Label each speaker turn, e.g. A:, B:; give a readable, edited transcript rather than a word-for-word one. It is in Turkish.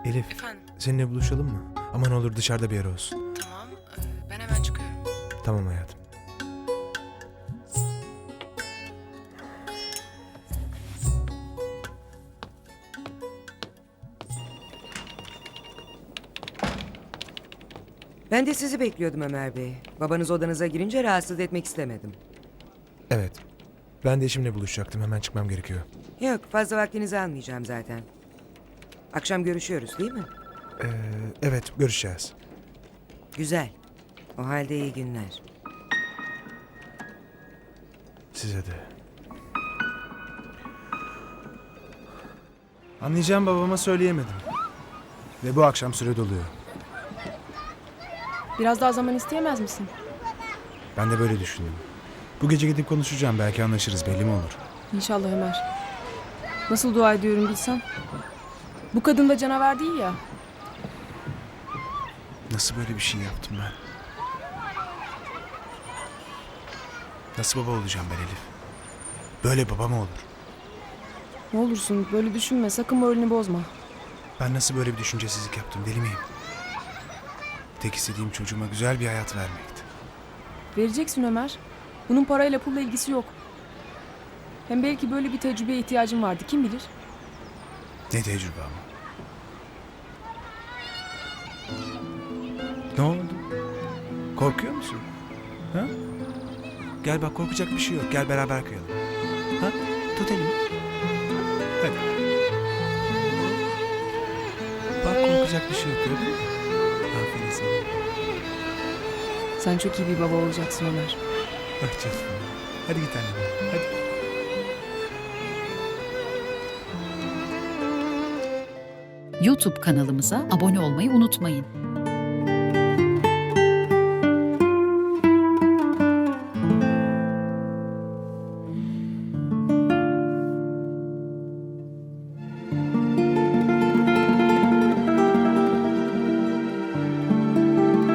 A: Elif,
B: Efendim?
A: seninle buluşalım mı? Aman olur dışarıda bir yer olsun.
B: Tamam. Ben hemen çıkıyorum.
A: Tamam hayatım.
C: Ben de sizi bekliyordum Ömer Bey. Babanız odanıza girince rahatsız etmek istemedim.
A: Evet. Ben de eşimle buluşacaktım. Hemen çıkmam gerekiyor.
C: Yok, fazla vaktinizi almayacağım zaten. Akşam görüşüyoruz değil mi?
A: Evet, görüşeceğiz.
C: Güzel. O halde iyi günler.
A: Size de. Anlayacağım, babama söyleyemedim. Ve bu akşam süre doluyor.
D: Biraz daha zaman isteyemez misin?
A: Ben de böyle düşündüm. Bu gece gidip konuşacağım. Belki anlaşırız, belli mi olur?
D: İnşallah Ömer. Nasıl dua ediyorum bilsen. Bu kadın da canavar değil ya.
A: Nasıl böyle bir şey yaptım ben? Nasıl baba olacağım ben Elif? Böyle baba mı olur?
D: Ne olursun böyle düşünme, sakın moralini bozma.
A: Ben nasıl böyle bir düşüncesizlik yaptım, deli miyim? Tek istediğim çocuğuma güzel bir hayat vermekti.
D: Vereceksin Ömer. Bunun parayla pulla ilgisi yok. Hem belki böyle bir tecrübeye ihtiyacın vardı, kim bilir?
A: Ne tecrübe ama. Ne oldu? Korkuyor musun? Ha? Gel bak, korkacak bir şey yok. Gel beraber kayalım. Ha? Tut elimi. Hadi. Bak, korkacak bir şey yok, gördün mü? Aferin sana.
D: Sen çok iyi bir baba olacaksın Ömer.
A: Bak canım. Hadi git annem. Hadi.
E: YouTube kanalımıza abone olmayı unutmayın.